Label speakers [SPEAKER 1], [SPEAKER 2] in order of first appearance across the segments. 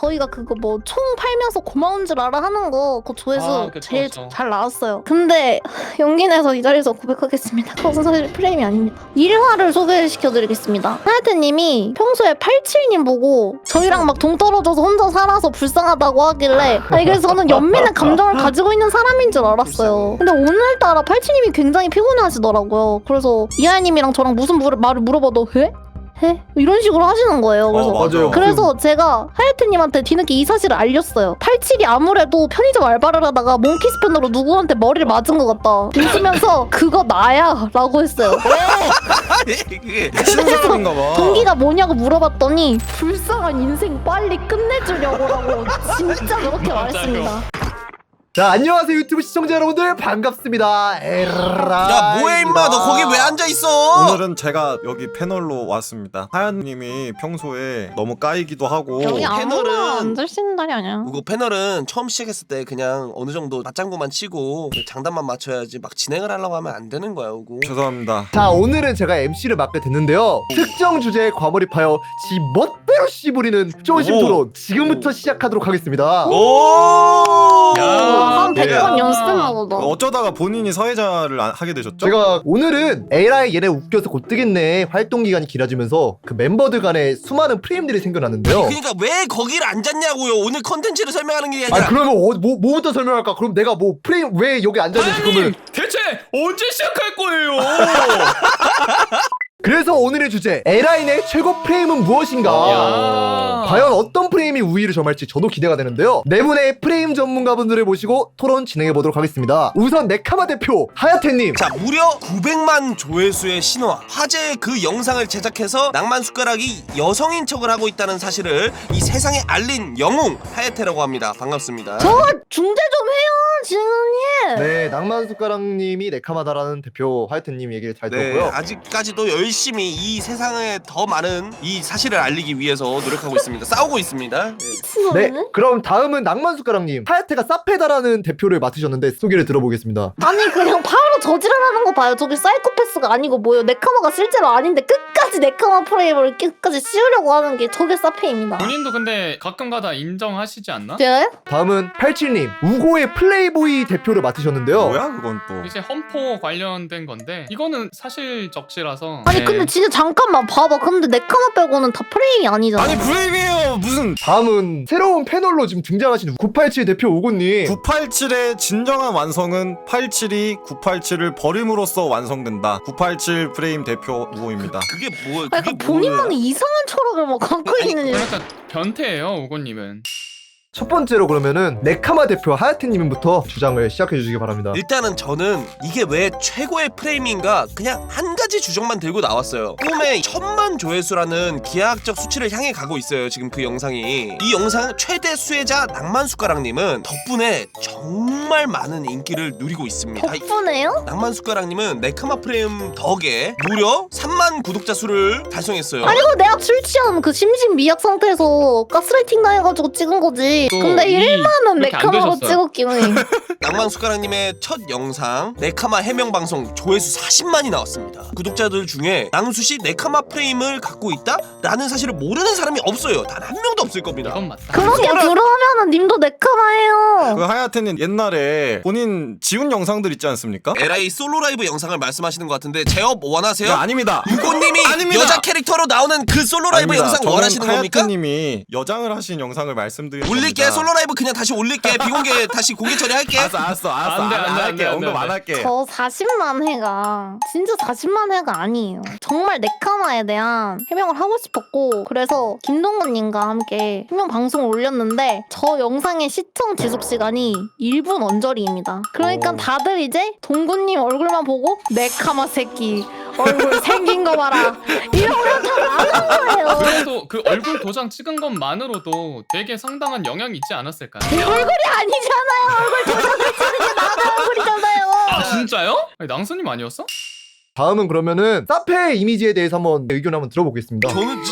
[SPEAKER 1] 저희가 그거 뭐 총 팔면서 고마운 줄 알아 하는 거 그 조회수
[SPEAKER 2] 그쵸,
[SPEAKER 1] 제일
[SPEAKER 2] 그쵸.
[SPEAKER 1] 잘 나왔어요. 근데 용기 내서 이 자리에서 고백하겠습니다. 그것은 사실 프레임이 아닙니다. 일화를 소개시켜드리겠습니다. 하야테님이 평소에 87님 보고 저희랑 막 동떨어져서 혼자 살아서 불쌍하다고 하길래 아니 그래서 저는 연민의 감정을 가지고 있는 사람인 줄 알았어요. 근데 오늘따라 87님이 굉장히 피곤해하시더라고요. 그래서 이하야님이랑 저랑 무슨 말을 물어봐도 해? 해? 이런 식으로 하시는 거예요. 그래서
[SPEAKER 3] 맞아요.
[SPEAKER 1] 그래서 제가 하야테님한테 뒤늦게 이 사실을 알렸어요. 87이 아무래도 편의점 알바를 하다가 몽키 스패너로 누구한테 머리를 맞은 것 같다. 웃으면서 그거 나야 라고 했어요.
[SPEAKER 3] 이게 신사람인가 봐.
[SPEAKER 1] 동기가 뭐냐고 물어봤더니 불쌍한 인생 빨리 끝내주려고라고 진짜 그렇게
[SPEAKER 2] 맞아요.
[SPEAKER 1] 말했습니다.
[SPEAKER 4] 자, 안녕하세요 유튜브 시청자 여러분들 반갑습니다. 에라.
[SPEAKER 3] 야 뭐해 임마 너 거기 왜 앉아있어?
[SPEAKER 5] 오늘은 제가 여기 패널로 왔습니다. 하얀님이 평소에 너무 까이기도 하고
[SPEAKER 1] 여기 아무나
[SPEAKER 3] 패널은-
[SPEAKER 1] 앉을 수 있는 날이 아니야.
[SPEAKER 3] 그거 패널은 처음 시작했을 때 그냥 어느 정도 맞장구만 치고 장단만 맞춰야지 막 진행을 하려고 하면 안 되는 거야 그거.
[SPEAKER 5] 죄송합니다.
[SPEAKER 4] 자, 오늘은 제가 MC를 맡게 됐는데요. 특정 주제에 과몰입하여 지 멋대로 씨부리는 쪼심
[SPEAKER 3] 오.
[SPEAKER 4] 토론 지금부터 시작하도록 하겠습니다.
[SPEAKER 3] 오.
[SPEAKER 2] 야.
[SPEAKER 1] 한
[SPEAKER 4] 네.
[SPEAKER 1] 100번 연습했나 보다.
[SPEAKER 5] 어쩌다가 본인이 사회자를 하게 되셨죠?
[SPEAKER 4] 제가 오늘은 에라이 얘네 웃겨서 곧 뜨겠네 활동 기간이 길어지면서 그 멤버들 간에 수많은 프레임들이 생겨났는데요.
[SPEAKER 3] 그러니까 왜 거기를 앉았냐고요. 오늘 컨텐츠를 설명하는 게 아니라.
[SPEAKER 4] 아, 그러면 뭐부터 설명할까? 그럼 내가 뭐 프레임 왜 여기 앉았는지 그러면
[SPEAKER 2] 대체 언제 시작할 거예요?
[SPEAKER 4] 그래서 오늘의 주제 에라인의 최고 프레임은 무엇인가?
[SPEAKER 2] 야.
[SPEAKER 4] 과연 어떤 프레임이 우위를 점할지 저도 기대가 되는데요. 네 분의 프레임 전문가분들을 모시고 토론 진행해보도록 하겠습니다. 우선 네카마 대표 하야테님.
[SPEAKER 3] 자 무려 900만 조회수의 신화 화제의 그 영상을 제작해서 낭만 숟가락이 여성인 척을 하고 있다는 사실을 이 세상에 알린 영웅 하야테라고 합니다. 반갑습니다.
[SPEAKER 1] 저 중재 좀 해요 진우님.
[SPEAKER 4] 네, 낭만숟가락님이 네카마다라는 대표 하야테님 얘기를 잘
[SPEAKER 3] 네,
[SPEAKER 4] 들었고요.
[SPEAKER 3] 아직까지도 열심히 이 세상에 더 많은 이 사실을 알리기 위해서 노력하고 있습니다. 싸우고 있습니다. 네.
[SPEAKER 4] 네,
[SPEAKER 1] 미친놈이네.
[SPEAKER 4] 그럼 다음은 낭만숟가락님. 하야테가 사페다라는 대표를 맡으셨는데 소개를 들어보겠습니다.
[SPEAKER 1] 아니 그냥 바로 저지랄하는 거 봐요. 저기 사이코패스가 아니고 뭐요. 네카마가 실제로 아닌데 끝까지 네카마 프레임을 끝까지 씌우려고 하는 게 저게 사페입니다.
[SPEAKER 2] 본인도 근데 가끔가다 인정하시지 않나?
[SPEAKER 1] 제가요?
[SPEAKER 4] 다음은 87님. 우고의 플레이보이 대표를 맡으셨는데요.
[SPEAKER 5] 뭐야 그건 또.
[SPEAKER 2] 이제 험포 관련된 건데 이거는 사실 적시라서.
[SPEAKER 1] 아니
[SPEAKER 2] 네.
[SPEAKER 1] 근데 진짜 잠깐만 봐봐. 근데 네카마 빼고는 다 프레임이 아니잖아.
[SPEAKER 5] 아니 브레임이에요 무슨.
[SPEAKER 4] 다음은 새로운 패널로 지금 등장하신 987 대표 우고님.
[SPEAKER 5] 987의 진정한 완성은 87이 987을 버림으로써 완성된다. 987 프레임 대표 우호입니다.
[SPEAKER 3] 그게 뭐야?
[SPEAKER 1] 아,
[SPEAKER 3] 그게
[SPEAKER 1] 약간 본인만의
[SPEAKER 3] 뭐야?
[SPEAKER 1] 이상한 철학을 막 갖고
[SPEAKER 3] 아니,
[SPEAKER 1] 있는.
[SPEAKER 2] 그러니까 변태예요 우고님은.
[SPEAKER 4] 첫 번째로 그러면은 네카마 대표 하야테님부터 주장을 시작해 주시기 바랍니다.
[SPEAKER 3] 일단은 저는 이게 왜 최고의 프레임인가 그냥 한 가지 주장만 들고 나왔어요. 꿈의 1000만 조회수라는 기하학적 수치를 향해 가고 있어요. 지금 그 영상이. 이 영상 최대 수혜자 낭만숟가락님은 덕분에 정말 많은 인기를 누리고 있습니다.
[SPEAKER 1] 덕분에요?
[SPEAKER 3] 낭만숟가락님은 네카마 프레임 덕에 무려 3만 구독자 수를 달성했어요.
[SPEAKER 1] 아니 그거 내가 술 취한 그 심신미약 상태에서 가스라이팅 당해가지고 찍은 거지.
[SPEAKER 2] 또
[SPEAKER 1] 근데
[SPEAKER 2] 이
[SPEAKER 1] 1만은
[SPEAKER 2] 이렇게 안
[SPEAKER 1] 네카마로
[SPEAKER 2] 되셨어요.
[SPEAKER 1] 찍었긴 해.
[SPEAKER 3] 낭만숟가락님의 첫 영상 네카마 해명방송 조회수 40만이 나왔습니다. 구독자들 중에 낭수씨 네카마 프레임을 갖고 있다? 라는 사실을 모르는 사람이 없어요. 단 한 명도 없을 겁니다.
[SPEAKER 2] 이건 맞다.
[SPEAKER 1] 그러게 그러면은 님도 네카마예요.
[SPEAKER 5] 그 하야테는 옛날에 본인 지운 영상들 있지 않습니까?
[SPEAKER 3] LA 솔로 라이브 영상을 말씀하시는 것 같은데 제업 원하세요?
[SPEAKER 5] 네, 아닙니다.
[SPEAKER 3] 유고님이
[SPEAKER 5] 아닙니다.
[SPEAKER 3] 여자 캐릭터로 나오는 그 솔로 라이브
[SPEAKER 5] 아닙니다.
[SPEAKER 3] 영상
[SPEAKER 5] 저는
[SPEAKER 3] 원하시는 겁니까?
[SPEAKER 5] 하야테님이 여장을 하신 영상을 말씀드리는
[SPEAKER 3] 올릴게.
[SPEAKER 5] 겁니다.
[SPEAKER 3] 솔로 라이브 그냥 다시 올릴게. 비공개 다시 공개 처리할게.
[SPEAKER 5] 알았어
[SPEAKER 2] 안 돼, 안 돼,
[SPEAKER 5] 안
[SPEAKER 2] 안
[SPEAKER 5] 할게.
[SPEAKER 2] 돼, 안
[SPEAKER 5] 언급
[SPEAKER 2] 돼.
[SPEAKER 5] 안 할게.
[SPEAKER 1] 저 40만 회가 진짜 40만 회가 아니에요. 정말 네카마에 대한 해명을 하고 싶었고 그래서 김동건님과 함께 해명 방송을 올렸는데 저 영상의 시청 지속 시간이 1분 언저리입니다. 그러니까 다들 이제 동구님 얼굴만 보고 네카마 새끼 얼굴 생긴 거 봐라 이러면 다 나가는 거예요.
[SPEAKER 2] 그래도 그 얼굴 도장 찍은 것만으로도 되게 상당한 영향이 있지 않았을까요?
[SPEAKER 1] 내 얼굴이 아니잖아요. 얼굴 도장을 찍은 게 나가 얼굴이잖아요.
[SPEAKER 2] 아 진짜요? 아니, 낭수님 아니었어?
[SPEAKER 4] 다음은 그러면은 사페의 이미지에 대해서 한번 의견 한번 들어보겠습니다.
[SPEAKER 3] 저는 진짜 너무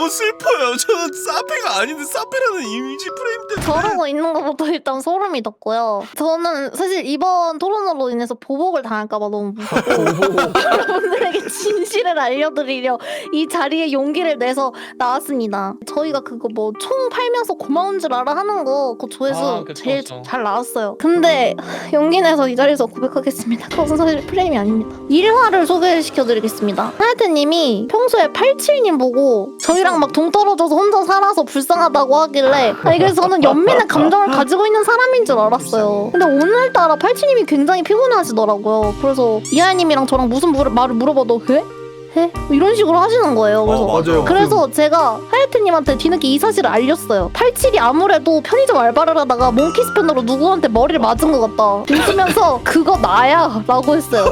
[SPEAKER 3] 너무 슬퍼요. 저는 사페가 아닌데 사페라는 이미지 프레임 때문에.
[SPEAKER 1] 저러고 있는 것부터 일단 소름이 돋고요. 저는 사실 이번 토론으로 인해서 보복을 당할까봐 너무 무섭고 여러분들에게 진실을 알려드리려 이 자리에 용기를 내서 나왔습니다. 저희가 그거 뭐 총 팔면서 고마운 줄 알아 하는 거 그 조회수
[SPEAKER 2] 그쵸,
[SPEAKER 1] 제일
[SPEAKER 2] 그쵸.
[SPEAKER 1] 잘 나왔어요. 근데 용기 내서 이 자리에서 고백하겠습니다. 그것은 사실 프레임이 아닙니다. 일화를 소개시켜드리겠습니다. 하야트님이 평소에 87님 보고 저희랑 막 동떨어져서 혼자 살아서 불쌍하다고 하길래 아니 그래서 저는 연민의 감정을 가지고 있는 사람인 줄 알았어요. 근데 오늘따라 87님이 굉장히 피곤해하시더라고요. 그래서 이하야님이랑 저랑 무슨 말을 물어봐도 해? 해? 이런 식으로 하시는 거예요. 그래서
[SPEAKER 4] 맞아요.
[SPEAKER 1] 그래서 제가 하야트님한테 뒤늦게 이 사실을 알렸어요. 87이 아무래도 편의점 알바를 하다가 몽키 스패너로 누구한테 머리를 맞은 것 같다. 웃으면서 그거 나야 라고 했어요.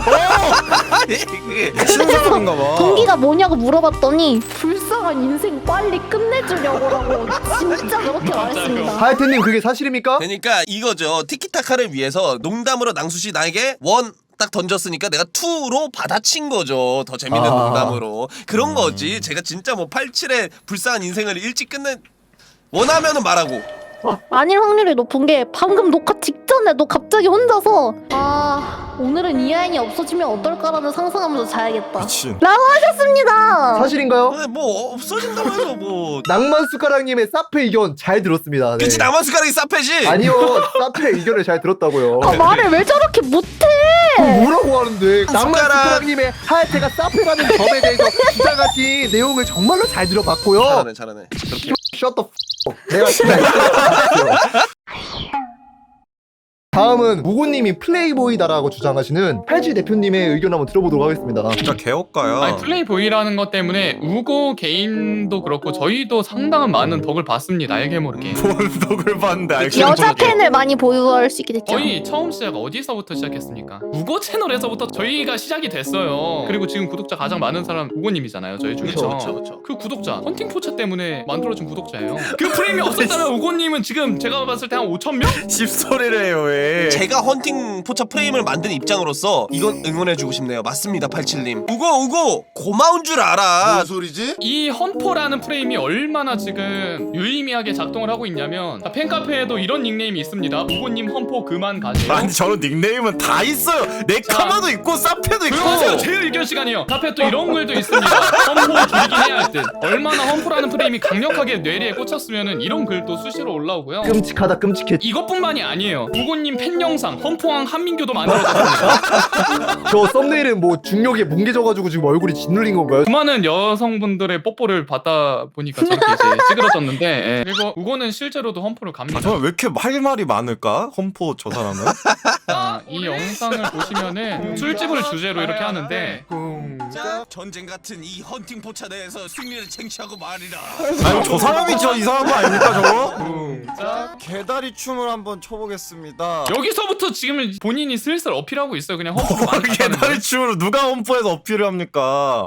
[SPEAKER 5] 미친 사람인가 봐.
[SPEAKER 1] 동기가 뭐냐고 물어봤더니 불쌍한 인생 빨리 끝내주려고 진짜 그렇게 말했습니다.
[SPEAKER 4] 하야트님 그게 사실입니까?
[SPEAKER 3] 그러니까 이거죠. 티키타카를 위해서 농담으로 낭수씨 나에게 원 딱 던졌으니까 내가 투로 받아친 거죠. 더 재밌는
[SPEAKER 4] 아.
[SPEAKER 3] 농담으로. 그런 거지. 제가 진짜 뭐 87의 불쌍한 인생을 일찍 끝내 원하면은 말하고.
[SPEAKER 1] 아닐 확률이 높은 게 방금 녹화 직전에도 갑자기 혼자서 아 오늘은 이하인이 없어지면 어떨까라는 상상하면서 자야겠다
[SPEAKER 5] 미친.
[SPEAKER 1] 라고 하셨습니다.
[SPEAKER 4] 사실인가요?
[SPEAKER 3] 근데 뭐 없어진다고 해서 뭐.
[SPEAKER 4] 낭만 숟가락님의 사페 의견 잘 들었습니다. 네.
[SPEAKER 3] 그치 나만 숟가락이 싸패지.
[SPEAKER 4] 아니요, 사페 의견을 잘 들었다고요.
[SPEAKER 1] 아, 말을 왜 저렇게 못해.
[SPEAKER 4] 뭐라고 하는데 낭만
[SPEAKER 3] 숟가락.
[SPEAKER 4] 숟가락님의 하야테가 사페라는 점에 대해서 주장하신 내용을 정말로 잘 들어봤고요.
[SPEAKER 3] 잘하네.
[SPEAKER 4] Shut the f. 내가 진짜 다음은 우고님이 플레이보이다라고 주장하시는 87 대표님의 의견 한번 들어보도록 하겠습니다.
[SPEAKER 5] 진짜 개업가야.
[SPEAKER 2] 아니 플레이보이라는 것 때문에 우고 개인도 그렇고 저희도 상당한 많은 덕을 봤습니다. 알게 모르게.
[SPEAKER 5] 본 덕을 봤는데 알게
[SPEAKER 1] 여자
[SPEAKER 5] 모르게.
[SPEAKER 1] 팬을 많이 보유할 수 있게 됐죠.
[SPEAKER 2] 저희 처음 시작 어디서부터 시작했습니까? 우고 채널에서부터 저희가 시작이 됐어요. 그리고 지금 구독자 가장 많은 사람 우고님이잖아요. 저희 중에서.
[SPEAKER 3] 그쵸.
[SPEAKER 2] 그 구독자 헌팅 포차 때문에 만들어준 구독자예요. 그 프레임이 없었다면 우고님은 지금 제가 봤을 때 한 5,000명?
[SPEAKER 5] 집소리를 해요 왜?
[SPEAKER 3] 제가 헌팅 포차 프레임을 만든 입장으로서 이건 응원해주고 싶네요. 맞습니다 87님. 우고 고마운 줄 알아.
[SPEAKER 6] 뭔 소리지?
[SPEAKER 2] 이 헌포라는 프레임이 얼마나 지금 유의미하게 작동을 하고 있냐면 팬카페에도 이런 닉네임이 있습니다. 우고님 헌포 그만 가세요.
[SPEAKER 5] 아니 저런 닉네임은 다 있어요. 네카마도 있고 사페도 있고.
[SPEAKER 2] 조용하세요. 제 의견 시간이요. 카페 또 이런 글도 있습니다. 헌포 줄이긴 해야 할 듯. 얼마나 헌포라는 프레임이 강력하게 뇌리에 꽂혔으면은 이런 글도 수시로 올라오고요.
[SPEAKER 4] 끔찍하다 끔찍해.
[SPEAKER 2] 이것뿐만이 아니에요. 우고님 팬 영상 헌포왕 한민규도 만들어졌습니다.
[SPEAKER 4] 저 썸네일은 뭐 중력에 뭉개져가지고 지금 얼굴이 짓눌린 건가요?
[SPEAKER 2] 수많은 여성분들의 뽀뽀를 받다 보니까 저렇게 이제 찌그러졌는데 예. 그리고 우고는 실제로도 헌포를 갑니다.
[SPEAKER 5] 아, 정말 왜 이렇게 할 말이 많을까? 험포 저 사람은?
[SPEAKER 2] 이 영상을 보시면은 술집을 주제로 이렇게 하는데
[SPEAKER 3] 자, 전쟁 같은 이 헌팅 포차 내에서 승리를 쟁취하고 말이라.
[SPEAKER 5] 아니 저 사람이 저 이상한 거 아닙니까 저거? 자 개다리 춤을 한번 춰보겠습니다.
[SPEAKER 2] 여기서부터 지금 본인이 슬슬 어필하고 있어요. 그냥 헌포를 많이
[SPEAKER 5] 개다리 춤으로 누가 험포에서 어필을 합니까?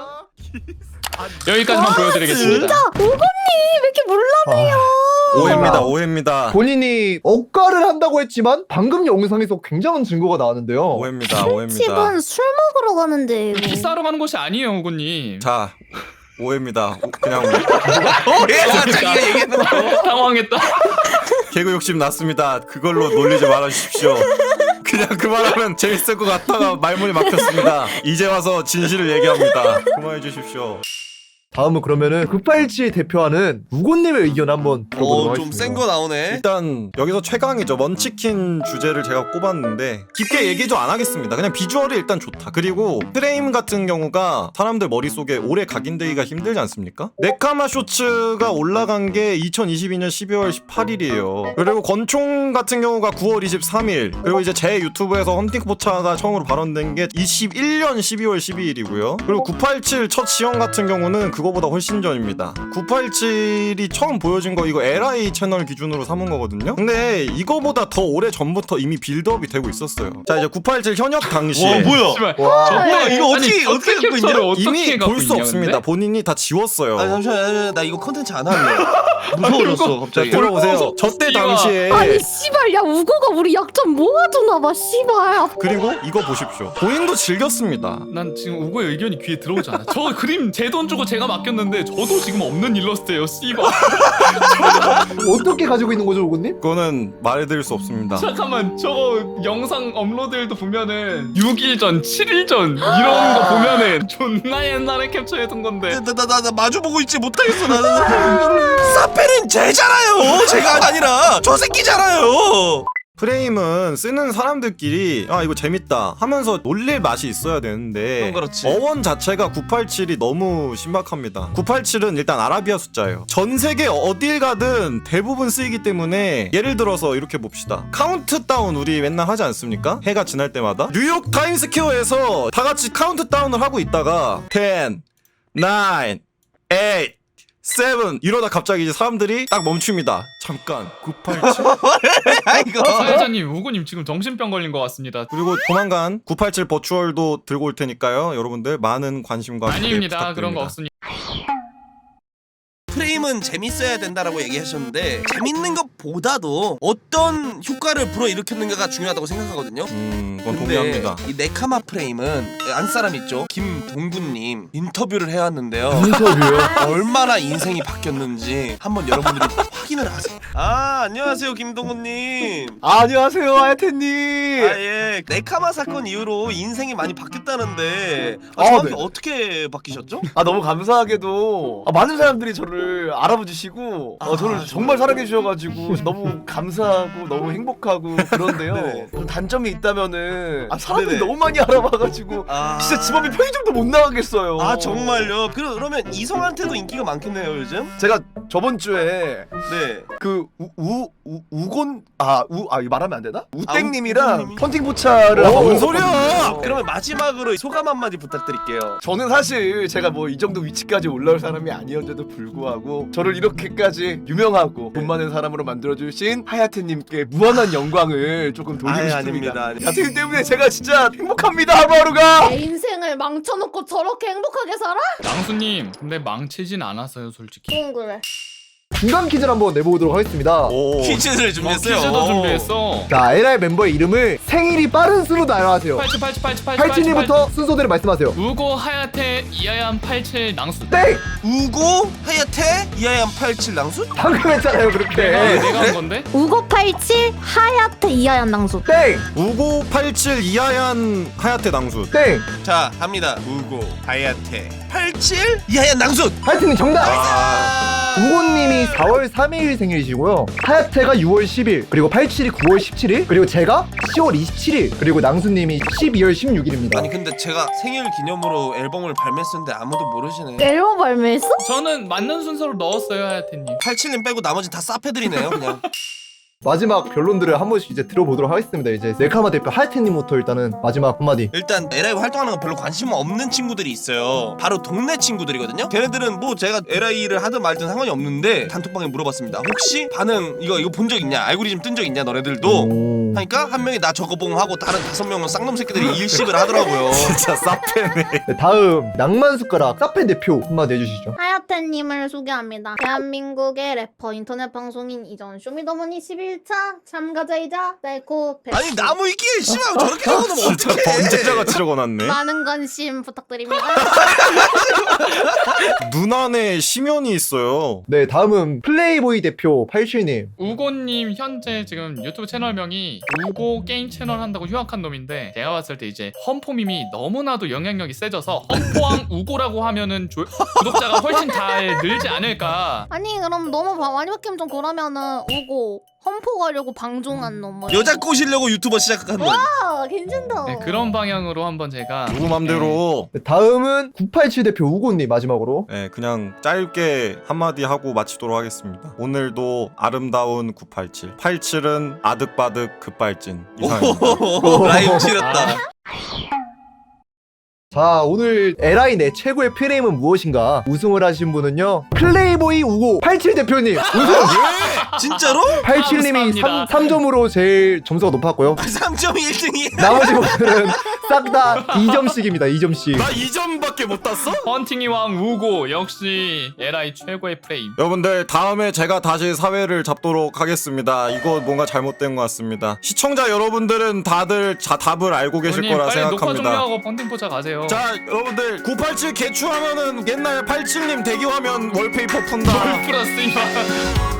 [SPEAKER 2] 여기까지만 보여드리겠습니다.
[SPEAKER 1] 진짜 우고님 왜 이렇게 몰라내요.
[SPEAKER 5] 오해입니다 오해입니다
[SPEAKER 4] 본인이 억가를 한다고 했지만 방금 영상에서 굉장한 증거가 나왔는데요.
[SPEAKER 5] 오해입니다 오해입니다.
[SPEAKER 1] 집은 술 먹으러 가는데
[SPEAKER 2] 키스하러 가는 곳이 아니에요, 우고님.
[SPEAKER 5] 자 오해입니다. 그냥
[SPEAKER 3] 자기가 얘기했는 거.
[SPEAKER 2] 당황했다.
[SPEAKER 5] 개그 욕심 났습니다. 그걸로 놀리지 말아주십시오. 그냥 그만하면 재밌을 것 같다가 말문이 막혔습니다. 이제 와서 진실을 얘기합니다. 그만해 주십시오.
[SPEAKER 4] 다음은 그러면은 987 대표하는 우고님의 의견 한번 들어보도록 하겠습니다.
[SPEAKER 3] 좀 센 거 나오네.
[SPEAKER 5] 일단 여기서 최강이죠. 먼치킨 주제를 제가 꼽았는데 깊게 얘기 좀 안 하겠습니다. 그냥 비주얼이 일단 좋다. 그리고 프레임 같은 경우가 사람들 머릿속에 오래 각인되기가 힘들지 않습니까? 네카마 쇼츠가 올라간 게 2022년 12월 18일이에요. 그리고 권총 같은 경우가 9월 23일. 그리고 이제 제 유튜브에서 헌팅포차가 처음으로 발언된 게 21년 12월 12일이고요. 그리고 987 첫 시연 같은 경우는 그거보다 훨씬 전입니다. 987이 처음 보여진 거 이거 LI 채널 기준으로 삼은 거거든요. 근데 이거보다 더 오래 전부터 이미 빌드업이 되고 있었어요. 자 이제 987 현역 당시에
[SPEAKER 3] 뭐야?
[SPEAKER 2] 씨발.
[SPEAKER 4] 와.
[SPEAKER 3] 이거 어떻게 갖고 있냐?
[SPEAKER 2] 어떻게
[SPEAKER 5] 이미
[SPEAKER 2] 갖고
[SPEAKER 5] 볼 수
[SPEAKER 2] 있냐,
[SPEAKER 5] 없습니다.
[SPEAKER 2] 근데?
[SPEAKER 5] 본인이 다 지웠어요.
[SPEAKER 3] 아 잠시만 나 이거 컨텐츠 안 할래. 무서워졌어
[SPEAKER 5] 자
[SPEAKER 3] 갑자기.
[SPEAKER 5] 들어보세요. 저 때 당시에
[SPEAKER 1] 아니 씨발 야 우고가 우리 약점 모아주나봐 씨발.
[SPEAKER 5] 그리고 이거 보십시오. 본인도 즐겼습니다.
[SPEAKER 2] 난 지금 우고의 의견이 귀에 들어오지 않아. 저 그림 제 돈 주고 제가 맡겼는데 저도 지금 없는 일러스트예요. 씨발.
[SPEAKER 4] 어떻게 가지고 있는 거죠, 우고님?
[SPEAKER 5] 그거는 말해드릴 수 없습니다.
[SPEAKER 2] 잠깐만, 저거 영상 업로드일도 보면은 6일 전, 7일 전 이런 거 보면은 존나 옛날에 캡처해둔 건데.
[SPEAKER 3] 나 마주보고 있지 못하겠어 나는. 사페는 쟤잖아요. 제가 아니라 저 새끼잖아요.
[SPEAKER 5] 프레임은 쓰는 사람들끼리 아 이거 재밌다 하면서 놀릴 맛이 있어야 되는데
[SPEAKER 3] 그렇지.
[SPEAKER 5] 어원 자체가 987이 너무 신박합니다. 987은 일단 아라비아 숫자예요. 전 세계 어딜 가든 대부분 쓰이기 때문에 예를 들어서 이렇게 봅시다. 카운트다운 우리 맨날 하지 않습니까? 해가 지날 때마다 뉴욕 타임스퀘어에서 다 같이 카운트다운을 하고 있다가 10, 9, 8 7 이러다 갑자기 이제 사람들이 딱 멈춥니다. 잠깐 987
[SPEAKER 3] 아이고.
[SPEAKER 2] 사회자님, 우구님 지금 정신병 걸린 것 같습니다.
[SPEAKER 5] 그리고 조만간 987 버추얼도 들고 올 테니까요. 여러분들 많은 관심과 기대
[SPEAKER 2] 아닙니다.
[SPEAKER 5] 부탁드립니다.
[SPEAKER 2] 그런 거 없습니다.
[SPEAKER 3] 프레임은 재밌어야 된다라고 얘기하셨는데 재밌는 것보다도 어떤 효과를 불어일으켰는가가 중요하다고 생각하거든요.
[SPEAKER 5] 그건
[SPEAKER 3] 근데
[SPEAKER 5] 동의합니다.
[SPEAKER 3] 이 네카마 프레임은 안사람 있죠? 김동구님 인터뷰를 해왔는데요.
[SPEAKER 4] 인터뷰요?
[SPEAKER 3] 얼마나 인생이 바뀌었는지 한번 여러분들이 확인을 하세요. 아 안녕하세요 김동구님.
[SPEAKER 6] 안녕하세요 하야테님.
[SPEAKER 3] 아예 네카마 사건 이후로 인생이 많이 바뀌었다는데
[SPEAKER 6] 아,
[SPEAKER 3] 정확히
[SPEAKER 6] 네.
[SPEAKER 3] 어떻게 바뀌셨죠?
[SPEAKER 6] 너무 감사하게도 많은 사람들이 저를 알아봐 주시고 저를 정말 사랑해 주셔가지고 너무 감사하고 너무 행복하고 그런데요.
[SPEAKER 3] 네.
[SPEAKER 6] 좀 단점이 있다면은 사람들이
[SPEAKER 3] 네네.
[SPEAKER 6] 너무 많이 알아봐가지고 진짜 집 앞에 편의점도 못 나가겠어요.
[SPEAKER 3] 아 정말요? 그러면 이성한테도 인기가 많겠네요 요즘?
[SPEAKER 6] 제가 저번 주에
[SPEAKER 3] 네.
[SPEAKER 6] 그 우곤 이거 말하면 안 되나? 우땡님이랑
[SPEAKER 3] 우땡님이?
[SPEAKER 6] 헌팅 포차를
[SPEAKER 5] 어, 뭔
[SPEAKER 6] 한번
[SPEAKER 5] 소리야!
[SPEAKER 3] 그러면 마지막으로 소감 한마디 부탁드릴게요.
[SPEAKER 6] 저는 사실 제가 뭐 이 정도 위치까지 올라올 사람이 아니었는데도 불구하고 저를 이렇게까지 유명하고 돈 많은 사람으로 만들어주신 하야테님께 무한한 영광을 조금 돌리고
[SPEAKER 3] 아유,
[SPEAKER 6] 싶습니다.
[SPEAKER 3] 아닙니다.
[SPEAKER 6] 하야테님 때문에 제가 진짜 행복합니다 하루하루가.
[SPEAKER 1] 내 인생을 망쳐놓고 저렇게 행복하게 살아?
[SPEAKER 2] 낭수님, 근데 망치진 않았어요, 솔직히.
[SPEAKER 1] 응 그래.
[SPEAKER 4] 중간 퀴즈를 한번 내보도록 하겠습니다.
[SPEAKER 5] 오,
[SPEAKER 3] 퀴즈를 준비했어요.
[SPEAKER 2] 퀴즈도 준비했어.
[SPEAKER 4] 자, LR 멤버의 이름을 생일이 빠른 수로 나열하세요. 87님부터 순서대로 말씀하세요.
[SPEAKER 2] 우고, 하야테, 이하얀, 87, 낭수.
[SPEAKER 4] 땡!
[SPEAKER 3] 우고 하야테 이하얀 87 낭수?
[SPEAKER 4] 방금 했잖아요, 그렇게.
[SPEAKER 2] 내가 한 건데?
[SPEAKER 1] 우고 87 하야테 이하얀 낭수.
[SPEAKER 4] 땡!
[SPEAKER 5] 5987 이하얀 하야테 낭수.
[SPEAKER 4] 땡!
[SPEAKER 3] 자 갑니다. 우고 하야테 87 이하얀 낭수.
[SPEAKER 4] 하야테님 정답! 우고님이 4월 3일 생일이시고요. 하야테가 6월 10일, 그리고 87이 9월 17일, 그리고 제가 10월 27일, 그리고 낭수님이 12월 16일입니다.
[SPEAKER 3] 아니 근데 제가 생일 기념으로 앨범을 발매했었는데 아무도 모르시네.
[SPEAKER 1] 앨범 발매했어?
[SPEAKER 2] 저는 맞는 순서로 넣었어요, 하야테님.
[SPEAKER 3] 87님 빼고 나머지 다 싸패드리네요 그냥.
[SPEAKER 4] 마지막 변론들을 한 번씩 이제 들어보도록 하겠습니다. 이제 네카마 대표 하야테님부터 일단은 마지막 한마디.
[SPEAKER 3] 일단 LI 활동하는 거 별로 관심 없는 친구들이 있어요. 바로 동네 친구들이거든요. 걔네들은 뭐 제가 LI를 하든 말든 상관이 없는데 단톡방에 물어봤습니다. 혹시 반응 이거 본 적 있냐? 알고리즘 뜬 적 있냐? 너네들도?
[SPEAKER 4] 오.
[SPEAKER 3] 하니까 한 명이 나 저거 봉 하고 다른 5명은 쌍놈 새끼들이 일식을 하더라고요.
[SPEAKER 5] 진짜 싸패네.
[SPEAKER 4] 네, 다음 낭만 숟가락 사페 대표 한마디 해주시죠.
[SPEAKER 1] 하야테님을 소개합니다. 대한민국의 래퍼 인터넷 방송인 이전 쇼미더머니 11차 참가자이자 셀코
[SPEAKER 3] 아니 나무 위키에 씨발 저렇게 적어놓으면
[SPEAKER 5] 진짜
[SPEAKER 3] 어떡해.
[SPEAKER 5] 범죄자가 적어놨네.
[SPEAKER 1] 많은 관심 부탁드립니다.
[SPEAKER 5] 눈 안에 심연이 있어요.
[SPEAKER 4] 네, 다음은 플레이보이 대표 87님.
[SPEAKER 2] 우고님 현재 지금 유튜브 채널명이 우고 게임 채널 한다고 휴학한 놈인데 제가 봤을 때 이제 험포밈이 너무나도 영향력이 세져서 험포왕 우고라고 하면은 구독자가 훨씬 잘 늘지 않을까.
[SPEAKER 1] 아니 그럼 너무 많이 바뀌면 좀 그러면은 우고 험포 가려고 방종한 놈 뭐.
[SPEAKER 3] 여자 꼬시려고 유튜버 시작한 놈.
[SPEAKER 1] 아 괜찮다.
[SPEAKER 2] 네, 그런 방향으로 한번 제가
[SPEAKER 5] 누구 맘대로.
[SPEAKER 4] 네, 다음은 987 대표 우고님 마지막으로.
[SPEAKER 5] 네, 그냥 짧게 한마디 하고 마치도록 하겠습니다. 오늘도 아름다운 987. 87은 아득바득 급발진. 이상입니다.
[SPEAKER 3] 오, 라임 치렀다.
[SPEAKER 4] 자, 오늘 LI 내 최고의 프레임은 무엇인가? 우승을 하신 분은요, 플레이보이 우고 87 대표님. 우승!
[SPEAKER 3] 진짜로?
[SPEAKER 4] 87님이
[SPEAKER 2] 감사합니다.
[SPEAKER 4] 3점으로 제일 점수가 높았고요.
[SPEAKER 3] 3점이 1등이야.
[SPEAKER 4] 나머지 분들은 싹 다 2점씩입니다. 2점씩.
[SPEAKER 5] 나 2점밖에 못 땄어?
[SPEAKER 2] 헌팅이 왕 우고 역시 LI 최고의 프레임.
[SPEAKER 5] 여러분들 다음에 제가 다시 사회를 잡도록 하겠습니다. 이거 뭔가 잘못된 것 같습니다. 시청자 여러분들은 다들 답을 알고 계실
[SPEAKER 2] 형님,
[SPEAKER 5] 거라
[SPEAKER 2] 빨리 녹화
[SPEAKER 5] 생각합니다.
[SPEAKER 2] 종료하고 헌팅 포차 가세요.
[SPEAKER 5] 자 여러분들 987 개추하면은 옛날 87님 대기화면 월페이퍼 푼다.
[SPEAKER 2] 뭘 플러스 이만.